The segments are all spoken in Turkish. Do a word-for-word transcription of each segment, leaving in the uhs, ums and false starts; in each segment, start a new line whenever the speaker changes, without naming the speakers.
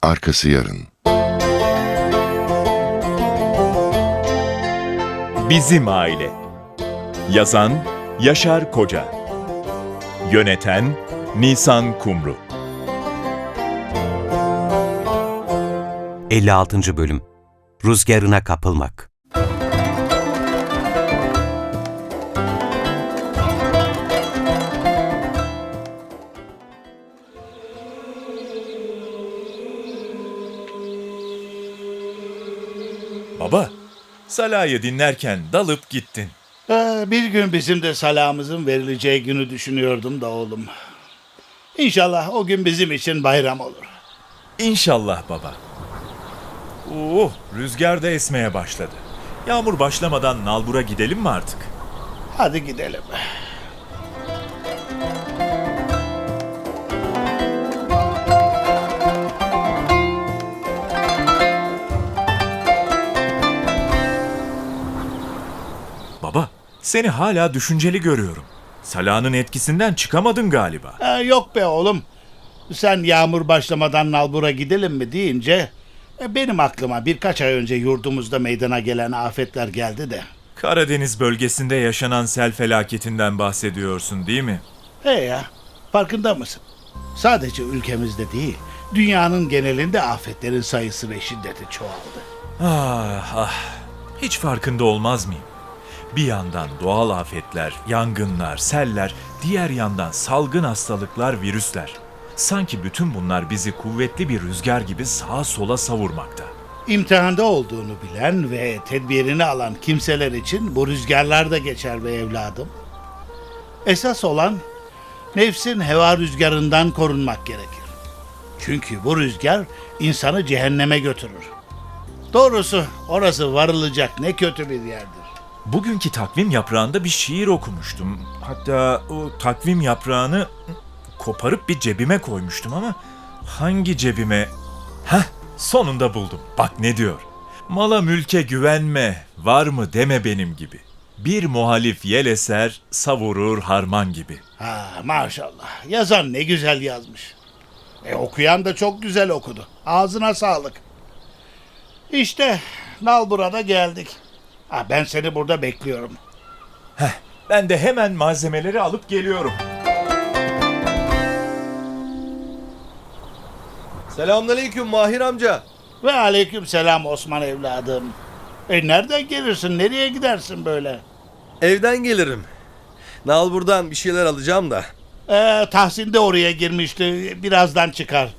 arkası yarın.
Bizim Aile. Yazan Yaşar Koca. Yöneten Nisan Kumru.
elli altıncı. Bölüm. Rüzgarına kapılmak.
Baba, Salah'ı dinlerken dalıp gittin.
Ee, bir gün bizim de salamımızın verileceği günü düşünüyordum da oğlum. İnşallah o gün bizim için bayram olur.
İnşallah baba. Oo, rüzgar da esmeye başladı. Yağmur başlamadan nalbura gidelim mi artık?
Hadi gidelim.
Baba, seni hala düşünceli görüyorum. Salah'ın etkisinden çıkamadın galiba.
Ee, yok be oğlum. Sen yağmur başlamadan nalbura gidelim mi deyince e, benim aklıma birkaç ay önce yurdumuzda meydana gelen afetler geldi de.
Karadeniz bölgesinde yaşanan sel felaketinden bahsediyorsun değil mi?
He ya, farkında mısın? Sadece ülkemizde değil, dünyanın genelinde afetlerin sayısı ve şiddeti çoğaldı.
Ah ah, hiç farkında olmaz mıyım? Bir yandan doğal afetler, yangınlar, seller, diğer yandan salgın hastalıklar, virüsler. Sanki bütün bunlar bizi kuvvetli bir rüzgar gibi sağa sola savurmakta.
İmtihanda olduğunu bilen ve tedbirini alan kimseler için bu rüzgarlar da geçer be evladım. Esas olan nefsin heva rüzgarından korunmak gerekir. Çünkü bu rüzgar insanı cehenneme götürür. Doğrusu orası varılacak ne kötü bir yerdir.
Bugünkü takvim yaprağında bir şiir okumuştum. Hatta o takvim yaprağını koparıp bir cebime koymuştum ama hangi cebime? Heh, sonunda buldum. Bak ne diyor. Mala mülke güvenme, var mı deme benim gibi. Bir muhalif yel eser, savurur harman gibi.
Ha maşallah, yazan ne güzel yazmış. E okuyan da çok güzel okudu. Ağzına sağlık. İşte nalbura'da geldik. Ha, ben seni burada bekliyorum.
Heh, ben de hemen malzemeleri alıp geliyorum.
Selamünaleyküm Mahir amca.
Ve aleyküm selam Osman evladım. E nereden gelirsin, nereye gidersin böyle?
Evden gelirim. Nalbur'dan bir şeyler alacağım da.
E, Tahsin de oraya girmişti, birazdan çıkar.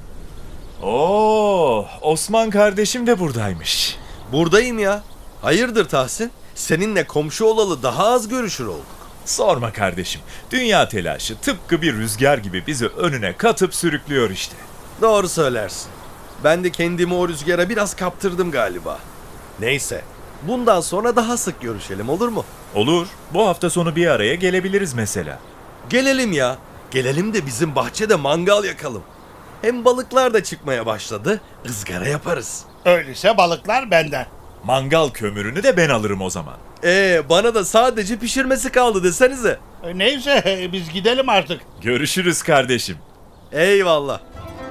Oo, Osman kardeşim de buradaymış.
Buradayım ya. Hayırdır Tahsin? Seninle komşu olalı daha az görüşür olduk.
Sorma kardeşim. Dünya telaşı tıpkı bir rüzgar gibi bizi önüne katıp sürüklüyor işte.
Doğru söylersin. Ben de kendimi o rüzgara biraz kaptırdım galiba. Neyse. Bundan sonra daha sık görüşelim, olur mu?
Olur. Bu hafta sonu bir araya gelebiliriz mesela.
Gelelim ya. Gelelim de bizim bahçede mangal yakalım. Hem balıklar da çıkmaya başladı. Izgara yaparız.
Öyleyse balıklar benden.
Mangal kömürünü de ben alırım o zaman.
Ee, bana da sadece pişirmesi kaldı desenize.
E, neyse e, biz gidelim artık.
Görüşürüz kardeşim.
Eyvallah.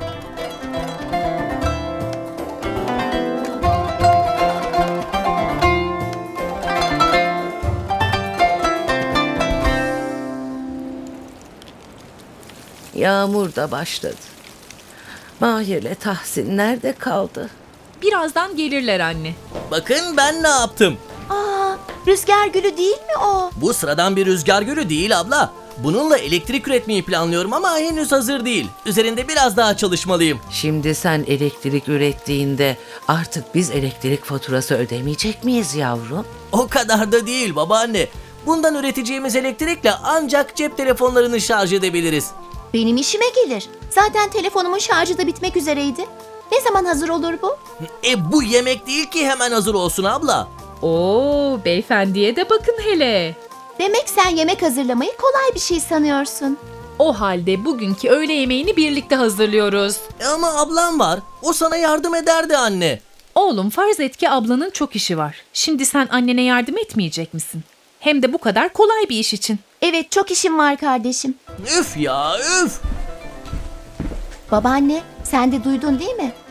Yağmur da başladı. Mahir'le Tahsin nerede kaldı?
Birazdan gelirler anne.
Bakın ben ne yaptım.
Aa, rüzgar gülü değil mi o?
Bu sıradan bir rüzgar gülü değil abla. Bununla elektrik üretmeyi planlıyorum ama henüz hazır değil. Üzerinde biraz daha çalışmalıyım.
Şimdi sen elektrik ürettiğinde artık biz elektrik faturası ödemeyecek miyiz yavrum?
O kadar da değil babaanne. Bundan üreteceğimiz elektrikle ancak cep telefonlarını şarj edebiliriz.
Benim işime gelir. Zaten telefonumun şarjı da bitmek üzereydi. Ne zaman hazır olur bu?
E bu yemek değil ki hemen hazır olsun abla.
Oo, beyefendiye de bakın hele.
Demek sen yemek hazırlamayı kolay bir şey sanıyorsun.
O halde bugünkü öğle yemeğini birlikte hazırlıyoruz.
E ama ablam var. O sana yardım ederdi anne.
Oğlum farz et ki ablanın çok işi var. Şimdi sen annene yardım etmeyecek misin? Hem de bu kadar kolay bir iş için.
Evet, çok işim var kardeşim.
Üf ya üf.
Babaanne, sen de duydun değil mi?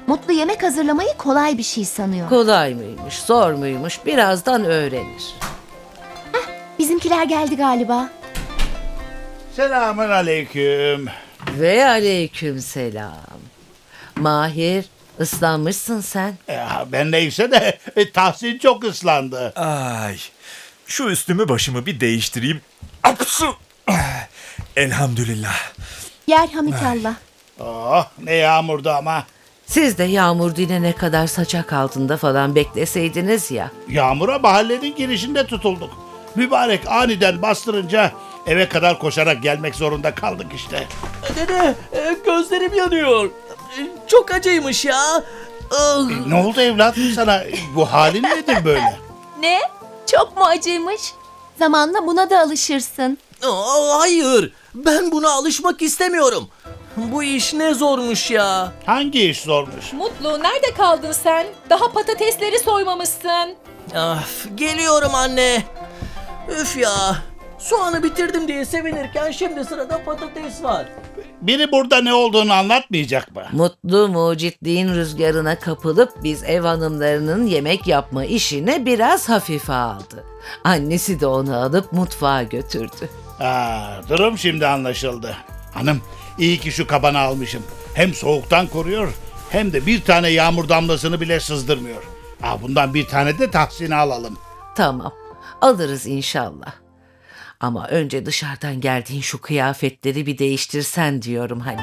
Mutlu yemek hazırlamayı kolay bir şey sanıyor.
Kolay mıymış, zor muymuş birazdan öğrenir.
Bizimkiler geldi galiba.
Selamun aleyküm.
Ve aleyküm selam. Mahir, ıslanmışsın sen.
Ya, ben neyse de e, Tahsin çok ıslandı.
Ay, şu üstümü başımı bir değiştireyim. Apsu! Elhamdülillah.
Yerhamikallah.
Oh, ne yağmurdu ama.
Siz de yağmur dinene kadar saçak altında falan bekleseydiniz ya.
Yağmura mahallenin girişinde tutulduk. Mübarek aniden bastırınca eve kadar koşarak gelmek zorunda kaldık işte.
Dede, e, gözlerim yanıyor. E, Çok acıymış ya. Ah.
Ne oldu evladım sana? Bu halin nedir böyle?
Ne? Çok mu acıymış? Zamanla buna da alışırsın.
Aa, hayır, ben buna alışmak istemiyorum. Bu iş ne zormuş ya.
Hangi iş zormuş?
Mutlu, nerede kaldın sen? Daha patatesleri soymamışsın.
Of, geliyorum anne. Üf ya. Soğanı bitirdim diye sevinirken şimdi sırada patates var.
Biri burada ne olduğunu anlatmayacak mı?
Mutlu mucitliğin rüzgarına kapılıp biz ev hanımlarının yemek yapma işini biraz hafife aldı. Annesi de onu alıp mutfağa götürdü.
Aa, durum şimdi anlaşıldı. Hanım, iyi ki şu kabanı almışım. Hem soğuktan koruyor hem de bir tane yağmur damlasını bile sızdırmıyor. Aa, bundan bir tane de Tahsin'e alalım.
Tamam, alırız inşallah. Ama önce dışarıdan geldiğin şu kıyafetleri bir değiştirsen diyorum hani.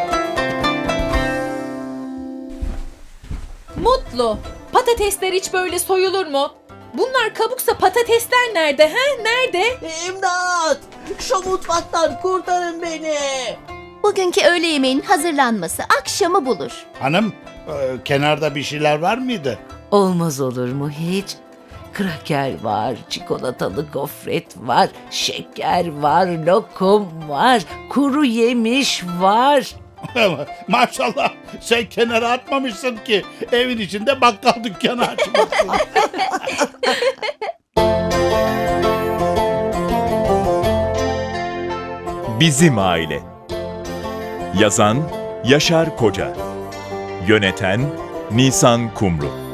Mutlu, patatesler hiç böyle soyulur mu? Bunlar kabuksa patatesler nerede he? Nerede?
İmdat! Şu mutfaktan kurtarın beni.
Bugünkü öğle yemeğinin hazırlanması akşamı bulur.
Hanım, e, kenarda bir şeyler var mıydı?
Olmaz olur mu hiç? Kraker var, çikolatalı gofret var, şeker var, lokum var, kuru yemiş var.
Maşallah, sen kenara atmamışsın ki evin içinde bakkal dükkanı açmışsın.
Bizim Aile. Yazan Yaşar Koca. Yöneten Nisan Kumru.